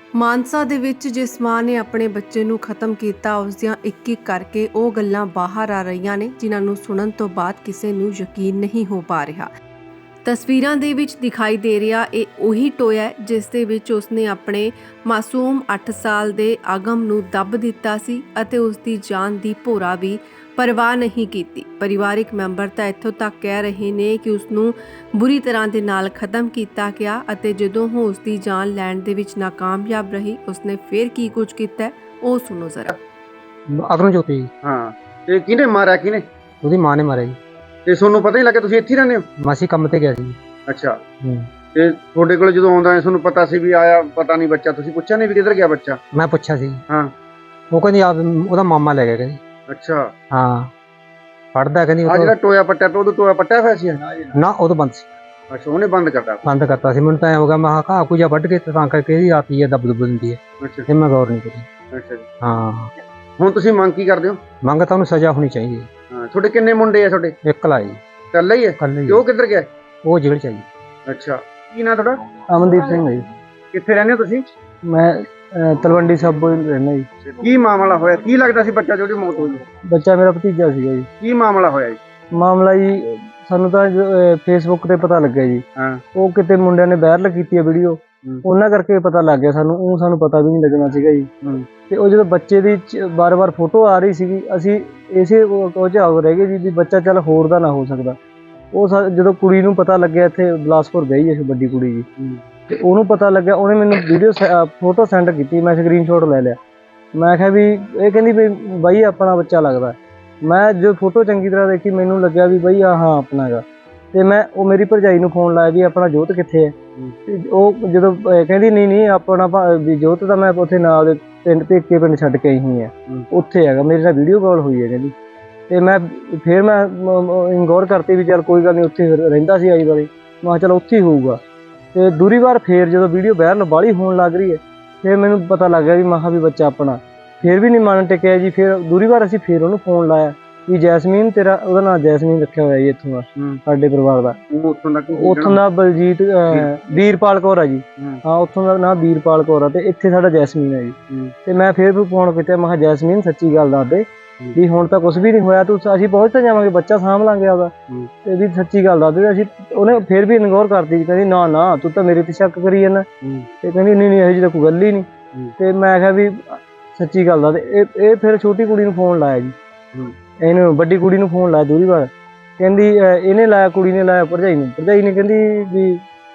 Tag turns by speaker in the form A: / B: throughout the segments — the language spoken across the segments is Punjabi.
A: ਮਾਨਸਾ ਦੇ ਵਿੱਚ ਜਿਸ ਮਾਂ ਨੇ ਆਪਣੇ ਬੱਚੇ ਨੂੰ ਖਤਮ ਕੀਤਾ ਉਸ ਦੀਆਂ ਇੱਕ-ਇੱਕ ਕਰਕੇ ਉਹ ਗੱਲਾਂ ਬਾਹਰ ਆ ਰਹੀਆਂ ਨੇ ਜਿਨ੍ਹਾਂ ਨੂੰ ਸੁਣਨ ਤੋਂ ਬਾਅਦ ਕਿਸੇ ਨੂੰ ਯਕੀਨ ਨਹੀਂ ਹੋ ਪਾ ਰਿਹਾ। ਤਸਵੀਰਾਂ ਦੇ ਵਿੱਚ ਦਿਖਾਈ ਦੇ ਰਿਹਾ ਇਹ ਉਹੀ ਟੋਇਆ ਹੈ ਜਿਸ ਦੇ ਵਿੱਚ ਉਸਨੇ ਆਪਣੇ ਮਾਸੂਮ 8 ਸਾਲ ਦੇ ਆਗਮ ਨੂੰ ਦੱਬ ਦਿੱਤਾ ਸੀ ਅਤੇ ਉਸ ਦੀ ਜਾਨ ਦੀ ਭੋਰਾ ਵੀ ਪਰਵਾਹ ਨਹੀਂ ਕੀਤੀ। ਪਰਿਵਾਰਿਕ ਮੈਂਬਰ ਤਾਂ ਇੱਥੋਂ ਤੱਕ ਕਹਿ ਰਹੇ ਨੇ ਕਿ ਉਸ ਨੂੰ ਬੁਰੀ ਤਰ੍ਹਾਂ ਦੇ ਨਾਲ ਖਤਮ ਕੀਤਾ ਗਿਆ ਅਤੇ ਜਦੋਂ ਉਹ ਉਸ ਦੀ ਜਾਨ ਲੈਣ ਦੇ ਵਿੱਚ ਨਾਕਾਮਯਾਬ ਰਹੀ ਉਸਨੇ ਫਿਰ ਕੀ ਕੁਝ ਕੀਤਾ ਹੈ, ਉਹ ਸੁਣੋ ਜ਼ਰਾ।
B: ਅਗਨ ਜੋਤੀ
C: ਹਾਂ ਤੇ ਕਿਹਨੇ ਮਾਰਿਆ ਕਿਹਨੇ?
B: ਉਹਦੀ ਮਾਂ ਨੇ ਮਾਰਿਆ ਜੀ।
C: ਤੇ ਤੁਹਾਨੂੰ ਪਤਾ ਹੀ ਲੱਗਾ ਤੁਸੀਂ ਇੱਥੇ ਹੀ ਰਹਿੰਦੇ ਹੋ?
B: ਮਾਸੀ ਕੰਮ ਤੇ ਗਿਆ ਸੀ।
C: ਅੱਛਾ ਤੇ ਤੁਹਾਡੇ ਕੋਲ ਜਦੋਂ ਆਉਂਦਾ ਹੈ ਤੁਹਾਨੂੰ ਪਤਾ ਸੀ ਵੀ ਆਇਆ ਪਤਾ ਨਹੀਂ ਬੱਚਾ, ਤੁਸੀਂ ਪੁੱਛਿਆ ਨਹੀਂ ਵੀ ਕਿੱਧਰ ਗਿਆ ਬੱਚਾ?
B: ਮੈਂ ਪੁੱਛਿਆ ਸੀ।
C: ਹਾਂ
B: ਉਹ ਕਹਿੰਦੀ ਆ ਉਹਦਾ ਮਾਮਾ ਲੈ ਗਿਆ ਕਹਿੰਦੀ।
C: ਅੱਛਾ
B: ਹਾਂ ਪੜਦਾ ਕਹਿੰਦੀ
C: ਆ ਜਿਹੜਾ ਟੋਇਆ ਪੱਟਿਆ ਪਿਆ, ਉਦੋਂ ਟੋਇਆ ਪੱਟਿਆ ਹੋਇਆ ਸੀ?
B: ਨਾ ਉਹ ਤਾਂ ਬੰਦ ਸੀ।
C: ਅੱਛਾ ਉਹਨੇ ਬੰਦ ਕਰਤਾ?
B: ਬੰਦ ਕਰਤਾ ਸੀ। ਮੈਨੂੰ ਤਾਂ ਐ ਹੋ ਗਿਆ ਮੈਂ ਕਿਹਾ ਘਾਹ ਕੁਝਾ ਵੱਢ ਕੇ ਤਾਂ ਕਰਕੇ ਇਹਦੀ ਆਤੀ ਹੈ ਦੱਬ ਦੁੱਬ ਦਿੰਦੀ ਹੈ।
C: ਅੱਛਾ
B: ਤੇ ਮੈਂ ਗੌਰ ਨਹੀਂ ਕੀਤੀ।
C: ਅੱਛਾ ਜੀ।
B: ਹਾਂ
C: ਹੁਣ ਤੁਸੀਂ ਮੰਗ ਕੀ ਕਰਦੇ ਹੋ?
B: ਮੰਗ ਤਾਂ ਉਹਨੂੰ ਸਜ਼ਾ ਹੋਣੀ ਚਾਹੀਦੀ ਹੈ।
C: ਹਾਂ ਤੁਹਾਡੇ ਕਿੰਨੇ ਮੁੰਡੇ ਆ ਤੁਹਾਡੇ?
B: ਇੱਕ ਲਾਈ
C: ਇਕੱਲਾ ਹੀ ਹੈ?
B: ਕੱਲ
C: ਤੇ ਉਹ ਕਿੱਧਰ ਗਿਆ?
B: ਉਹ ਜੇਲ੍ਹ ਚਾਹੀਦੀ।
C: ਅੱਛਾ ਕੀ ਨਾਂ ਤੁਹਾਡਾ?
B: ਅਮਨਦੀਪ ਸਿੰਘ ਹੈ ਜੀ।
C: ਕਿੱਥੇ ਰਹਿੰਦੇ ਹੋ ਤੁਸੀਂ?
B: ਮੈਂ ਤਲਵੰਡੀ ਸਾਬੋ ਰਹਿੰਦਾ ਜੀ।
C: ਕੀ ਮਾਮਲਾ ਹੋਇਆ? ਕੀ ਲੱਗਦਾ ਸੀ ਬੱਚਾ ਜਿਹਦੀ ਮੌਤ ਹੋਈ?
B: ਬੱਚਾ ਮੇਰਾ ਭਤੀਜਾ ਸੀਗਾ ਜੀ।
C: ਕੀ ਮਾਮਲਾ ਹੋਇਆ ਜੀ?
B: ਮਾਮਲਾ ਜੀ ਸਾਨੂੰ ਤਾਂ ਫੇਸਬੁੱਕ ਤੇ ਪਤਾ ਲੱਗਿਆ ਜੀ।
C: ਹਾਂ
B: ਉਹ ਕਿਤੇ ਮੁੰਡਿਆਂ ਨੇ ਵਾਇਰਲ ਕੀਤੀ ਹੈ ਵੀਡੀਓ, ਉਹਨਾਂ ਕਰਕੇ ਪਤਾ ਲੱਗ ਗਿਆ ਸਾਨੂੰ। ਉਹ ਸਾਨੂੰ ਪਤਾ ਵੀ ਨਹੀਂ ਲੱਗਣਾ ਸੀਗਾ ਜੀ। ਤੇ ਉਹ ਜਦੋਂ ਬੱਚੇ ਦੀ ਬਾਰ-ਬਾਰ ਫੋਟੋ ਆ ਰਹੀ ਸੀਗੀ ਅਸੀਂ ਇਸੇ ਉਹ 'ਚ ਰਹਿ ਗਏ ਜੀ ਵੀ ਬੱਚਾ ਚੱਲ ਹੋਰ ਦਾ ਨਾ ਹੋ ਸਕਦਾ। ਉਹ ਜਦੋਂ ਕੁੜੀ ਨੂੰ ਪਤਾ ਲੱਗਿਆ ਇੱਥੇ ਬਿਲਾਸਪੁਰ ਗਈ ਹੈ ਵੱਡੀ ਕੁੜੀ ਜੀ, ਤੇ ਉਹਨੂੰ ਪਤਾ ਲੱਗਿਆ ਉਹਨੇ ਮੈਨੂੰ ਵੀਡੀਓ ਫੋਟੋ ਸੈਂਡ ਕੀਤੀ। ਮੈਂ ਸਕਰੀਨਸ਼ਾਟ ਲੈ ਲਿਆ। ਮੈਂ ਕਿਹਾ ਵੀ ਇਹ ਕਹਿੰਦੀ ਵੀ ਬਾਈ ਆਪਣਾ ਬੱਚਾ ਲੱਗਦਾ। ਮੈਂ ਜੋ ਫੋਟੋ ਚੰਗੀ ਤਰ੍ਹਾਂ ਦੇਖੀ ਮੈਨੂੰ ਲੱਗਿਆ ਵੀ ਬਈ ਹਾਂ ਆਪਣਾ ਹੈਗਾ। ਤੇ ਮੈਂ ਉਹ ਮੇਰੀ ਭਰਜਾਈ ਨੂੰ ਫੋਨ ਲਾਇਆ ਵੀ ਆਪਣਾ ਜੋਤ ਕਿੱਥੇ ਹੈ। ਤੇ ਉਹ ਜਦੋਂ ਕਹਿੰਦੀ ਨਹੀਂ ਆਪਣਾ ਵੀ ਜੋਤ ਤਾਂ ਮੈਂ ਉੱਥੇ ਨਾਲ ਦੇ ਪਿੰਡ ਭੇਕੇ ਪਿੰਡ ਛੱਡ ਕੇ ਆਈ ਹੋਈ ਹੈ, ਉੱਥੇ ਹੈਗਾ। ਮੇਰੇ ਨਾਲ ਵੀਡੀਓ ਕਾਲ ਹੋਈ ਹੈ ਕਹਿੰਦੀ। ਤੇ ਮੈਂ ਫਿਰ ਮੈਂ ਗੌਰ ਕਰਤੀ ਵੀ ਚੱਲ ਕੋਈ ਗੱਲ ਨਹੀਂ, ਉੱਥੇ ਰਹਿੰਦਾ ਸੀ ਆਈ ਵਾਰੀ। ਮੈਂ ਕਿਹਾ ਚੱਲ ਉੱਥੇ ਹੀ ਹੋਊਗਾ। ਤੇ ਦੂਰੀ ਵਾਰ ਫੇਰ ਜਦੋਂ ਵੀਡੀਓ ਵਾਇਰਲ ਬਾਹਲੀ ਹੋਣ ਲੱਗ ਰਹੀ ਹੈ ਫਿਰ ਮੈਨੂੰ ਪਤਾ ਲੱਗ ਗਿਆ ਵੀ ਮੈਂ ਕਿਹਾ ਵੀ ਬੱਚਾ ਆਪਣਾ। ਫਿਰ ਵੀ ਨਹੀਂ ਮਨ ਟਿਕਿਆ ਜੀ। ਫਿਰ ਦੂਰੀ ਵਾਰ ਅਸੀਂ ਫਿਰ ਉਹਨੂੰ ਫੋਨ ਲਾਇਆ ਵੀ ਜੈਸਮੀਨ ਤੇਰਾ, ਉਹਦਾ ਨਾਂ ਜੈਸਮੀਨ ਰੱਖਿਆ ਹੋਇਆ ਜੀ ਇੱਥੋਂ ਦਾ ਸਾਡੇ ਪਰਿਵਾਰ ਦਾ। ਉੱਥੋਂ ਦਾ ਬਲਜੀਤ ਵੀਰਪਾਲ ਕੌਰ ਆ ਜੀ। ਹਾਂ ਉੱਥੋਂ ਦਾ ਨਾਂ ਵੀਰਪਾਲ ਕੌਰ ਆ ਤੇ ਇੱਥੇ ਸਾਡਾ ਜੈਸਮੀਨ ਹੈ ਜੀ। ਤੇ ਮੈਂ ਫਿਰ ਵੀ ਫੋਨ ਕੀਤਾ। ਮੈਂ ਕਿਹਾ ਜੈਸਮੀਨ ਸੱਚੀ ਗੱਲ ਦੱਸ ਦੇ ਵੀ ਹੁਣ ਤਾਂ ਕੁਛ ਵੀ ਨਹੀਂ ਹੋਇਆ, ਤੂੰ ਅਸੀਂ ਪਹੁੰਚ ਤਾਂ ਜਾਵਾਂਗੇ, ਬੱਚਾ ਸਾਂਭ ਲਾਂਗੇ ਆਪਦਾ। ਤੇ ਵੀ ਸੱਚੀ ਗੱਲ ਦੱਸ ਦੇ। ਅਸੀਂ ਉਹਨੇ ਫਿਰ ਵੀ ਇਗਨੋਰ ਕਰਤੀ। ਕਹਿੰਦੀ ਨਾ ਤੂੰ ਤਾਂ ਮੇਰੇ ਤੇ ਸ਼ੱਕ ਕਰੀ ਜਾਂਦਾ। ਤੇ ਕਹਿੰਦੀ ਨਹੀਂ ਇਹੋ ਜਿਹੀ ਤਾਂ ਕੋਈ ਗੱਲ ਹੀ ਨਹੀਂ। ਤੇ ਮੈਂ ਕਿਹਾ ਵੀ ਸੱਚੀ ਗੱਲ ਦੱਸ ਦੇ। ਇਹ ਫਿਰ ਛੋਟੀ ਕੁੜੀ ਨੂੰ ਫੋਨ ਲਾਇਆ ਜੀ। ਇਹਨੂੰ ਵੱਡੀ ਕੁੜੀ ਨੂੰ ਫੋਨ ਲਾਇਆ ਦੂਰੀ ਵਾਰ। ਕਹਿੰਦੀ ਇਹਨੇ ਲਾਇਆ, ਕੁੜੀ ਨੇ ਲਾਇਆ ਭਰਜਾਈ ਨੂੰ। ਭਰਜਾਈ ਨੇ ਕਹਿੰਦੀ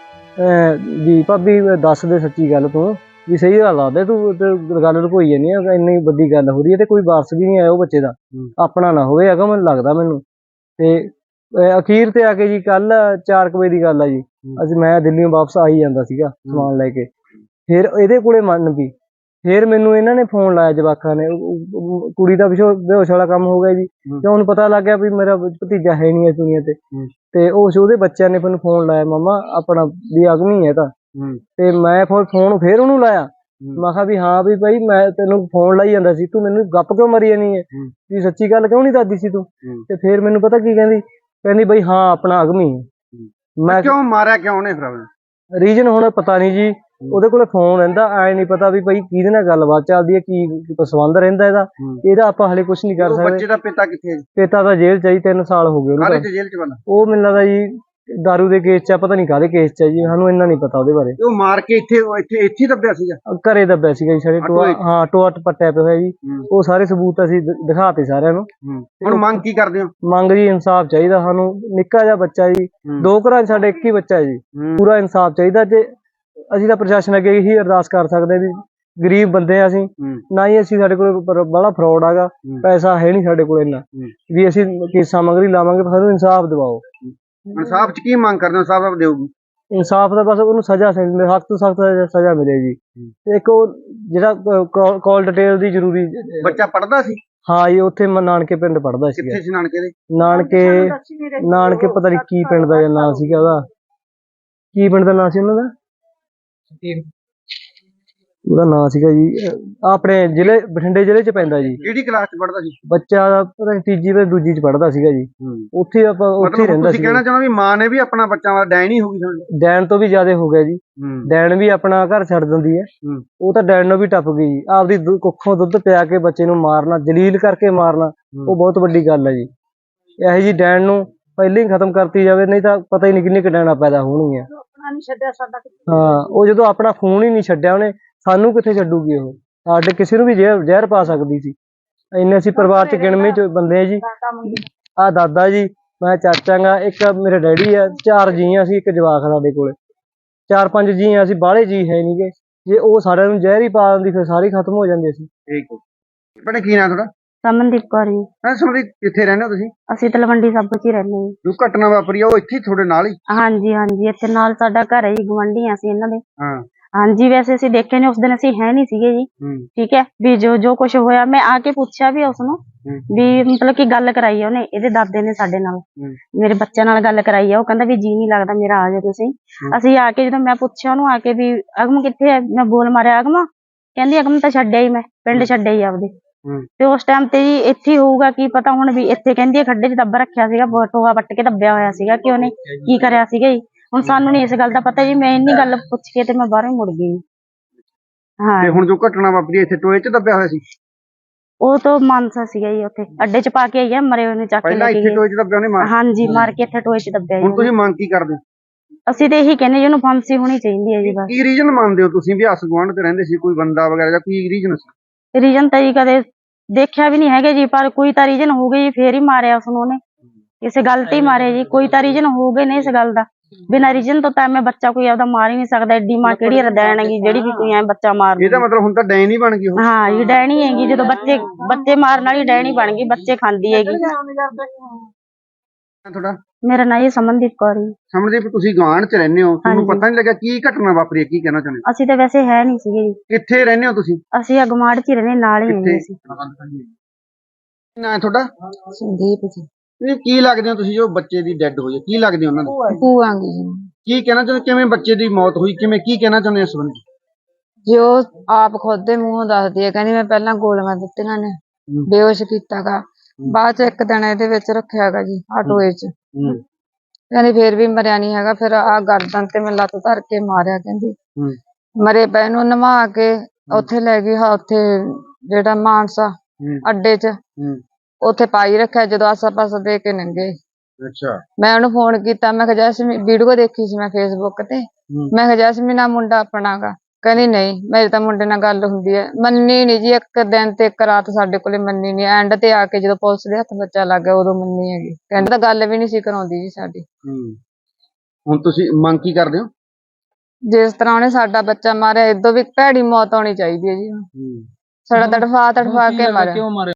B: ਵੀ ਭਾਬੀ ਦੱਸ ਦੇ ਸੱਚੀ ਗੱਲ, ਤੂੰ ਵੀ ਸਹੀ ਗੱਲ ਦੱਸ ਦੇ, ਤੂੰ ਗੱਲ ਲੁਕੋਈ ਜਾਂਦੀ ਆ। ਇੰਨੀ ਵੱਡੀ ਗੱਲ ਹੋ ਰਹੀ ਹੈ ਤੇ ਕੋਈ ਵਾਰਸ ਵੀ ਨਹੀਂ ਆਇਆ ਉਹ ਬੱਚੇ ਦਾ, ਆਪਣਾ ਨਾ ਹੋਵੇ ਹੈਗਾ ਮੈਨੂੰ ਲੱਗਦਾ ਮੈਨੂੰ। ਤੇ ਅਖੀਰ ਤੇ ਆ ਕੇ ਜੀ ਕੱਲ 4 ਵਜੇ ਦੀ ਗੱਲ ਆ ਜੀ। ਮੈਂ ਦਿੱਲੀੋਂ ਵਾਪਸ ਆਈ ਜਾਂਦਾ ਸੀਗਾ ਸਮਾਨ ਲੈ ਕੇ। ਫਿਰ ਇਹਦੇ ਕੋਲੇ ਮੰਨ ਪਈ। ਫਿਰ ਮੈਨੂੰ ਇਹਨਾਂ ਨੇ ਫੋਨ ਲਾਇਆ ਜਵਾਕਾਂ ਨੇ। ਕੁੜੀ ਦਾ ਬੇਹੋਸ਼ ਵਾਲਾ ਕੰਮ ਹੋ ਗਿਆ ਜੀ। ਤੇ ਹੁਣ ਪਤਾ ਲੱਗ ਗਿਆ ਵੀ ਮੇਰਾ ਭਤੀਜਾ ਹੈ ਨਹੀਂ ਇਸ ਦੁਨੀਆ ਤੇ। ਤੇ ਉਹਦੇ ਬੱਚਿਆਂ ਨੇ ਮੈਨੂੰ ਫੋਨ ਲਾਇਆ ਮਾਮਾ ਆਪਣਾ ਵੀ ਅਗਨੀ ਹੈ ਤਾਂ। ਤੇ ਮੈਂ ਫੋਨ ਫਿਰ ਉਹਨੂੰ ਲਾਇਆ। ਮੈਂ ਕਿਹਾ ਵੀ ਹਾਂ ਵੀ ਭਾਈ ਮੈਂ ਤੈਨੂੰ ਫੋਨ ਲਾਈ ਜਾਂਦਾ ਸੀ, ਤੂੰ ਮੈਨੂੰ ਗੱਪ ਕਿਉਂ ਮਾਰੀ ਜਾਨੀ ਹੈ ਵੀ ਸੱਚੀ ਗੱਲ ਕਿਉਂ ਨਹੀਂ ਦੱਸਦੀ ਸੀ ਤੂੰ? ਤੇ ਫਿਰ ਮੈਨੂੰ ਪਤਾ ਕੀ ਕਹਿੰਦੀ ਬਈ ਹਾਂ ਆਪਣਾ ਅਗਮੀ ਹੈ। ਮੈਂ
C: ਕਿਉਂ ਮਾਰਿਆ ਕਿਉਂ ਉਹਨੇ? ਫਿਰ
B: ਰੀਜਨ ਹੁਣ ਪਤਾ ਨਹੀਂ ਜੀ। ਉਹਦੇ ਕੋਲ ਫੋਨ ਰਹਿੰਦਾ, ਐ ਨਹੀਂ ਪਤਾ ਵੀ ਭਾਈ ਕਿਹਦੇ ਨਾਲ ਗੱਲਬਾਤ ਚੱਲਦੀ ਹੈ, ਕੀ ਸੰਬੰਧ ਰਹਿੰਦਾ ਇਹਦਾ ਆਪਾਂ ਹਲੇ ਕੁਛ ਨਹੀਂ ਕਰ ਸਕਦੇ।
C: ਬੱਚੇ ਦਾ ਪਿਤਾ ਕਿੱਥੇ ਹੈ?
B: ਪਿਤਾ ਤਾਂ ਜੇਲ੍ਹ ਚ 3 ਸਾਲ ਹੋ ਗਏ ਉਹਨੂੰ।
C: ਜੇਲ੍ਹ ਚ ਬੰਦਾ? ਉਹ
B: ਮੈਨੂੰ ਲੱਗਦਾ ਜੀ ਦਾਰੂ ਦੇ ਕੇਸ ਚ, ਪਤਾ ਨਹੀਂ ਕਾਹਦੇ ਕੇਸ ਚ ਜੀ, ਸਾਨੂੰ ਇੰਨਾ ਨਹੀਂ ਪਤਾ ਉਹਦੇ ਬਾਰੇ।
C: ਉਹ ਮਾਰ ਕੇ ਇੱਥੇ ਦੱਬਿਆ ਸੀਗਾ?
B: ਘਰੇ ਦੱਬਿਆ ਸੀਗਾ ਜੀ ਸਾਡੇ ਟੋਆ। ਹਾਂ ਟੋਆ ਪੱਟਿਆ ਪਿਆ ਹੋਇਆ ਜੀ। ਉਹ ਸਾਰੇ ਸਬੂਤ ਅਸੀਂ ਦਿਖਾਤੇ ਸਾਰਿਆਂ ਨੂੰ।
C: ਹੁਣ ਮੰਗ ਕੀ ਕਰਦੇ ਹੋ?
B: ਮੰਗ ਜੀ ਇਨਸਾਫ ਚਾਹੀਦਾ ਸਾਨੂੰ। ਨਿੱਕਾ ਜਿਹਾ ਬੱਚਾ ਜੀ, 2 ਘਰਾਂ ਚ ਸਾਡੇ ਇੱਕ ਹੀ ਬੱਚਾ ਜੀ। ਪੂਰਾ ਇਨਸਾਫ ਚਾਹੀਦਾ। ਜੇ ਅਸੀਂ ਤਾਂ ਪ੍ਰਸ਼ਾਸਨ ਅੱਗੇ ਇਹੀ ਅਰਦਾਸ ਕਰ ਸਕਦੇ ਵੀ ਗਰੀਬ ਬੰਦੇ ਆ ਅਸੀਂ, ਨਾ ਹੀ ਅਸੀਂ ਸਾਡੇ ਕੋਲ ਬੜਾ ਫਰੋਡ ਹੈਗਾ, ਪੈਸਾ ਹੈ ਨਹੀਂ ਸਾਡੇ ਕੋਲ ਇੰਨਾ ਵੀ ਅਸੀਂ ਕੇਸਾਂ ਮਗਰ ਹੀ ਲਾਵਾਂਗੇ। ਸਾਨੂੰ ਇਨਸਾਫ ਦਿਵਾਓ।
C: ਇਨਸਾਫ ਚ ਕੀ ਮੰਗ ਕਰਦੇ ਹੋ? ਇਨਸਾਫ ਦਿਓਗੀ?
B: ਇਨਸਾਫ ਦਾ ਬਸ ਉਹਨੂੰ ਸਜ਼ਾ ਸਖਤ ਤੋਂ ਸਖਤ ਸਜ਼ਾ ਮਿਲੇ ਜੀ। ਇੱਕ ਉਹ ਜਿਹੜਾ ਕਾਲ ਡਿਟੇਲ ਦੀ ਜ਼ਰੂਰੀ।
C: ਬੱਚਾ ਪੜਦਾ ਸੀ? ਹਾਂ
B: ਜੀ ਉੱਥੇ ਨਾਨਕੇ ਪਿੰਡ ਪੜਦਾ ਸੀ।
C: ਕਿੱਥੇ ਸੀ ਨਾਨਕੇ ਦੇ?
B: ਨਾਨਕੇ ਪਤਾ ਨਹੀਂ ਕੀ ਪਿੰਡ ਦਾ ਨਾਂ ਸੀਗਾ ਉਹਦਾ। ਕੀ ਪਿੰਡ ਦਾ ਨਾਂ ਸੀ ਉਹਨਾਂ ਦਾ? ਉਹਦਾ ਨਾਂ ਸੀਗਾ ਜੀ ਆਪਣੇ ਜ਼ਿਲ੍ਹੇ ਬਠਿੰਡੇ ਜ਼ਿਲ੍ਹੇ ਚ ਪੈਂਦਾ ਜੀ।
C: ਕਿਹੜੀ ਕਲਾਸ ਚ ਪੜ੍ਹਦਾ ਸੀ?
B: ਬੱਚਾ ਪਤਾ ਨੀ ਤੀਜੀ ਤੇ ਦੂਜੀ ਚ ਪੜ੍ਹਦਾ ਸੀਗਾ ਜੀ। ਉੱਥੇ ਆਪਾਂ ਉੱਥੇ ਹੀ
C: ਮਤਲਬ
B: ਰਹਿੰਦਾ
C: ਤੁਸੀਂ
B: ਸੀ।
C: ਕਹਿਣਾ ਚਾਹੁੰਦੇ ਵੀ ਮਾਂ ਨੇ ਵੀ ਆਪਣਾ ਬੱਚਾ ਵਾਲਾ ਡੈਣ ਹੀ ਹੋ ਗਈ ਤੁਹਾਨੂੰ?
B: ਡੈਣ ਤੋਂ ਵੀ ਜ਼ਿਆਦਾ ਹੋ ਗਿਆ ਜੀ। ਡੈਣ ਵੀ ਆਪਣਾ ਘਰ ਛੱਡ ਦਿੰਦੀ ਹੈ। ਉਹ ਤਾਂ ਡੈਣ ਨੂੰ ਵੀ ਟੱਪ ਗਈ ਜੀ। ਆਪਦੀ ਕੁੱਖੋਂ ਦੁੱਧ ਪਿਆ ਕੇ ਬੱਚੇ ਨੂੰ ਮਾਰਨਾ, ਜਲੀਲ ਕਰਕੇ ਮਾਰਨਾ, ਉਹ ਬਹੁਤ ਵੱਡੀ ਗੱਲ ਹੈ ਜੀ। ਇਹੋ ਜੀ ਡੈਣ ਨੂੰ ਪਹਿਲਾਂ ਹੀ ਖਤਮ ਕਰਤੀ ਜਾਵੇ, ਨਹੀਂ ਤਾਂ ਪਤਾ ਹੀ ਨਹੀਂ ਕਿੰਨੀ ਕੁ ਡੈਣਾਂ ਪੈਦਾ ਹੋਣਗੀਆਂ। ਹਾਂ, ਉਹ ਜਦੋਂ ਆਪਣਾ ਖੂਨ ਹੀ ਨਹੀਂ ਛੱਡਿਆ ਉਹਨੇ, ਸਾਨੂੰ ਕਿੱਥੇ ਛੱਡੂਗੀ ਉਹ? ਸਾਡੇ ਕਿਸੇ ਨੂੰ ਵੀ ਜ਼ਹਿਰ ਪਾ ਸਕਦੀ ਸੀ। ਇੰਨੇ ਅਸੀਂ ਪਰਿਵਾਰ ਚ ਗਿਣਵੇਂ ਚ ਬੰਦੇ ਆ ਜੀ। ਆਹ ਦਾਦਾ ਜੀ, ਮੈਂ ਚਾਚਾ ਗਾ, ਇੱਕ ਮੇਰੇ ਡੈਡੀ ਆ, 4 ਜੀ ਆ ਅਸੀਂ, ਇੱਕ ਜਵਾਕ ਸਾਡੇ ਕੋਲੇ, 4-5 ਜੀ ਆ ਅਸੀਂ, ਬਾਹਲੇ ਜੀ ਹੈ ਨੀ ਗੇ। ਜੇ ਉਹ ਸਾਰਿਆਂ ਨੂੰ ਜ਼ਹਿਰ ਹੀ ਪਾ ਦਿੰਦੀ ਫਿਰ ਸਾਰੇ ਖਤਮ ਹੋ ਜਾਂਦੇ ਸੀ।
C: ਠੀਕ ਹੈ। ਭੈਣੇ ਕੀ ਨਾਂ ਤੁਹਾਡਾ?
D: ਸਮਨਦੀਪ ਕੌਰ ਜੀ।
C: ਸਮਨਦੀਪ, ਕਿੱਥੇ ਰਹਿੰਦੇ ਹੋ ਤੁਸੀਂ?
D: ਅਸੀਂ ਤਲਵੰਡੀ ਸਾਬੋ ਚ ਹੀ ਰਹਿੰਦੇ ਹਾਂ ਜੀ।
C: ਜੋ ਘਟਨਾ ਵਾਪਰੀ ਆ ਉਹ ਇੱਥੇ ਤੁਹਾਡੇ ਨਾਲ ਹੀ?
D: ਹਾਂਜੀ ਹਾਂਜੀ, ਇੱਥੇ ਨਾਲ ਸਾਡਾ ਘਰ ਹੈ ਜੀ, ਗੁਆਂਢੀ ਹਾਂ ਅਸੀਂ ਇਹਨਾਂ ਦੇ।
C: ਹਾਂ।
D: ਹਾਂਜੀ, ਵੈਸੇ ਅਸੀਂ ਦੇਖੇ ਨੇ ਉਸ ਦਿਨ, ਅਸੀਂ ਹੈ ਨਹੀਂ ਸੀਗੇ ਜੀ। ਠੀਕ ਹੈ, ਵੀ ਜੋ ਕੁਝ ਹੋਇਆ ਮੈਂ ਆ ਕੇ ਪੁੱਛਿਆ ਵੀ ਉਸਨੂੰ, ਵੀ ਮਤਲਬ ਕਿ ਗੱਲ ਕਰਾਈ ਆ ਉਹਨੇ, ਇਹਦੇ ਦਾਦੇ ਨੇ ਸਾਡੇ ਨਾਲ, ਮੇਰੇ ਬੱਚਿਆਂ ਨਾਲ ਗੱਲ ਕਰਾਈ ਆ। ਉਹ ਕਹਿੰਦਾ ਵੀ ਜੀ ਨਹੀਂ ਲੱਗਦਾ ਮੇਰਾ, ਆ ਜਾਓ ਤੁਸੀਂ। ਅਸੀਂ ਆ ਕੇ ਜਦੋਂ ਮੈਂ ਪੁੱਛਿਆ ਉਹਨੂੰ ਆ ਕੇ ਵੀ ਅਗਮ ਕਿੱਥੇ ਹੈ, ਮੈਂ ਬੋਲ ਮਾਰਿਆ ਅਗਮ, ਕਹਿੰਦੀ ਅਗਮ ਤਾਂ ਛੱਡਿਆ ਹੀ, ਮੈਂ ਪਿੰਡ ਛੱਡਿਆ ਹੀ ਆਪਦੇ। ਤੇ ਉਸ ਟਾਈਮ ਤੇ ਜੀ ਇੱਥੇ ਹੀ ਹੋਊਗਾ, ਕੀ ਪਤਾ ਹੁਣ ਵੀ ਇੱਥੇ ਕਹਿੰਦੀ ਹੈ ਖੱਡੇ 'ਚ ਦੱਬ ਰੱਖਿਆ ਸੀਗਾ, ਟੋਆ ਵੱਟ ਕੇ ਦੱਬਿਆ ਹੋਇਆ ਸੀਗਾ, ਕਿ ਉਹਨੇ ਕੀ ਕਰਿਆ ਸੀਗਾ ਜੀ। ਹੁਣ ਸਾਨੂੰ ਨੀ ਇਸ ਗੱਲ ਦਾ ਪਤਾ ਜੀ। ਮੈਂ ਇੰਨੀ ਗੱਲ ਪੁੱਛ ਕੇ ਤੇ ਮੈਂ ਬਾਹਰੋਂ ਹੀ ਮੁੜ ਗਈ। ਹਾਂ,
C: ਤੇ ਹੁਣ ਜੋ ਘਟਨਾ ਵਾਪਰੀ ਇੱਥੇ ਟੋਏ 'ਚ ਦੱਬਿਆ ਹੋਇਆ ਸੀ?
D: ਉਹ ਤਾਂ ਮਾਨਸਾ ਸੀਗਾ ਜੀ, ਉੱਥੇ ਅੱਡੇ 'ਚ ਪਾ ਕੇ ਆਈ ਆ, ਮਰੇ ਉਹਨੇ ਚੱਕ ਕੇ
C: ਪਹਿਲਾਂ
D: ਲੈ ਕੇ
C: ਇੱਥੇ
D: ਗਏ।
C: ਟੋਏ 'ਚ ਦੱਬਿਆ ਉਹਨੇ ਮਾਰ?
D: ਹਾਂਜੀ, ਮਾਰ ਕੇ ਇੱਥੇ ਟੋਏ 'ਚ ਦੱਬਿਆ ਜੀ।
C: ਹੁਣ ਤੁਸੀਂ ਮੰਗ ਕੀ ਕਰਦੇ ਹੋ?
D: ਅਸੀਂ ਤੇ ਇਹੀ ਕਹਿੰਦੇ ਜੀ, ਉਹਨੂੰ ਫਾਂਸੀ ਹੋਣੀ ਚਾਹੀਦੀ ਹੈ ਜੀ ਬਸ।
C: ਕੀ ਰੀਜਨ ਮੰਨਦੇ ਹੋ ਤੁਸੀਂ ਵੀ ਆਸ ਗੁਆਂਢ 'ਚ ਰਹਿੰਦੇ ਸੀ, ਕੋਈ ਬੰਦਾ ਵਗੈਰਾ ਜਾਂ ਕੀ ਰੀਜਨ ਸੀ?
D: ਰੀਜਨ ਤਾਂ ਜੀ ਕਦੇ ਦੇਖਿਆ ਵੀ ਨਹੀਂ ਹੈਗਾ ਜੀ, ਪਰ ਕੋਈ ਤਾਂ ਰੀਜਨ ਹੋ ਗਈ ਜੀ, ਫੇਰ ਹੀ ਮਾਰਿਆ ਉਸਨੂੰ ਉਹਨੇ, ਕਿਸੇ ਗੱਲ ਤੇ ਹੀ ਮਾਰਿਆ ਜੀ। ਕੋਈ ਤਾਂ ਰੀਜਨ ਹੋ ਗਏ ਨੇ ਇਸ ਗੱਲ ਦਾ। ਬਿਨਾਂ ਰੀਜਨ ਤੋਂ ਤਾਂ ਮੈਂ ਬੱਚਾ ਕੋਈ ਆਪਦਾ ਮਾਰ ਹੀ ਨਹੀਂ ਸਕਦਾ। ਐਡੀ ਮਾਂ ਕਿਹੜੀ ਰਦੈਣ ਹੈਗੀ ਜਿਹੜੀ ਵੀ ਕੋਈ ਐ ਬੱਚਾ ਮਾਰ ਦੂ।
C: ਇਹਦਾ ਮਤਲਬ ਹੁਣ ਤਾਂ ਡੈਣ ਹੀ ਬਣ ਗਈ ਉਹ?
D: ਹਾਂ ਜੀ, ਡੈਣੀ ਹੈਗੀ। ਜਦੋਂ ਬੱਚੇ ਮਾਰਨ ਵਾਲੀ ਡੈਣੀ ਬਣ ਗਈ, ਬੱਚੇ ਖਾਂਦੀ ਹੈਗੀ।
C: ਤੁਹਾਡਾ?
D: ਮੇਰਾ ਨਾਂ ਜੀ ਸਮਨਦੀਪ ਕੌਰ ਜੀ।
C: ਸਮਨਦੀਪ, ਤੁਸੀਂ ਗੁਆਂਢ 'ਚ ਰਹਿੰਦੇ ਹੋ, ਤੁਹਾਨੂੰ ਪਤਾ ਨਹੀਂ ਲੱਗਾ ਕੀ ਘਟਨਾ ਵਾਪਰੀ ਹੈ? ਕੀ ਕਹਿਣਾ ਚਾਹੁੰਦੇ ਹੋ?
D: ਅਸੀਂ ਤਾਂ ਵੈਸੇ ਹੈ ਨਹੀਂ ਸੀਗੇ ਜੀ।
C: ਕਿੱਥੇ ਰਹਿੰਦੇ ਹੋ ਤੁਸੀਂ?
D: ਅਸੀਂ ਅਗਮਾੜ 'ਚ ਹੀ ਰਹਿੰਦੇ, ਨਾਲ ਹੀ ਰਹਿੰਦੇ ਸੀ।
C: ਨਾਂ ਤੁਹਾਡਾ?
D: ਸੰਦੀਪ ਜੀ।
C: ਇਹ ਕੀ ਲੱਗਦੇ ਹੋ ਤੁਸੀਂ, ਜੋ ਬੱਚੇ ਦੀ ਡੈਡ ਹੋਈ ਹੈ, ਕੀ ਲੱਗਦੇ ਹੋ ਉਹਨਾਂ ਨੂੰ?
D: ਭੂਆ ਜੀ।
C: ਕੀ ਕਹਿਣਾ ਚਾਹੁੰਦੇ, ਕਿਵੇਂ ਬੱਚੇ ਦੀ ਮੌਤ ਹੋਈ, ਕਿਵੇਂ, ਕੀ ਕਹਿਣਾ ਚਾਹੁੰਦੇ ਹੋ ਇਸ ਸੰਬੰਧੀ?
D: ਜੋ ਆਪ ਖੁਦ ਦੇ ਮੂੰਹੋਂ ਦੱਸਦੀ ਹੈ, ਕਹਿੰਦੀ ਮੈਂ ਪਹਿਲਾਂ ਗੋਲੀਆਂ ਦਿੱਤੀਆਂ ਨੇ, ਬੇਹੋਸ਼ ਕੀਤਾਗਾ, ਬਾਅਦ 'ਚ ਇੱਕ ਦਿਨ ਇਹਦੇ ਵਿੱਚ ਰੱਖਿਆਗਾ ਜੀ ਟੋਏ 'ਚ। ਕਹਿੰਦੀ ਫੇਰ ਵੀ ਮਰਿਆ ਨਹੀਂ ਹੈਗਾ। ਫਿਰ ਆ ਗਰਦਨ ਤੇ ਮੈਂ ਲੱਤ ਧਰ ਕੇ ਮਾਰਿਆ, ਕਹਿੰਦੀ ਮਰੇ ਪਏ ਨੂੰ ਨਵਾ ਕੇ ਉੱਥੇ ਲੈ ਗਈ, ਉੱਥੇ ਜਿਹੜਾ ਮਾਨਸਾ ਅੱਡੇ 'ਚ, ਉੱਥੇ ਪਾਈ ਰੱਖਿਆ। ਜਦੋਂ ਆਸਾ ਪਾਸਾ ਦੇ ਕੇ ਨੰਗੇ,
C: ਅੱਛਾ, ਮੈਂ
D: ਉਹਨੂੰ ਫੋਨ ਕੀਤਾ, ਮੈਂ ਕਿਹਾ ਜੈਸਮੀਨ, ਵੀਡੀਓ ਦੇਖੀ ਸੀ ਮੈਂ ਫੇਸਬੁੱਕ ਤੇ, ਮੈਂ ਕਿਹਾ ਜੈਸਮੀਨ ਆ ਮੁੰਡਾ ਆਪਣਾ ਗਾ। ਕਹਿੰਦੀ ਨਹੀਂ, ਮੇਰੇ ਤਾਂ ਮੁੰਡੇ ਨਾਲ ਗੱਲ ਹੁੰਦੀ ਹੈ। ਮੰਨੀ ਨੀ ਜੀ, ਇੱਕ ਦਿਨ ਤੇ ਇੱਕ ਰਾਤ ਸਾਡੇ ਕੋਲੇ ਮੰਨੀ ਨੀ। ਐਂਡ ਤੇ ਆ ਕੇ ਜਦੋਂ ਪੁਲਿਸ ਦੇ ਹੱਥ ਬੱਚਾ ਲੱਗ ਗਿਆ, ਉਦੋਂ ਮੰਨੀ ਹੈਗੀ। ਕਹਿੰਦੇ ਤਾਂ ਗੱਲ ਵੀ ਨਹੀਂ ਸੀ ਕਰਾਉਂਦੀ ਜੀ ਸਾਡੀ।
C: ਹੁਣ ਤੁਸੀਂ ਮੰਗ ਕੀ ਕਰਦੇ ਹੋ?
D: ਜਿਸ ਤਰ੍ਹਾਂ ਉਹਨੇ ਸਾਡਾ ਬੱਚਾ ਮਾਰਿਆ, ਏਦੋਂ ਵੀ ਭੈੜੀ ਮੌਤ ਆਉਣੀ ਚਾਹੀਦੀ ਹੈ ਜੀ। ਸਾਡਾ ਤੜਫਾ ਕੇ ਮਾਰਿਆ।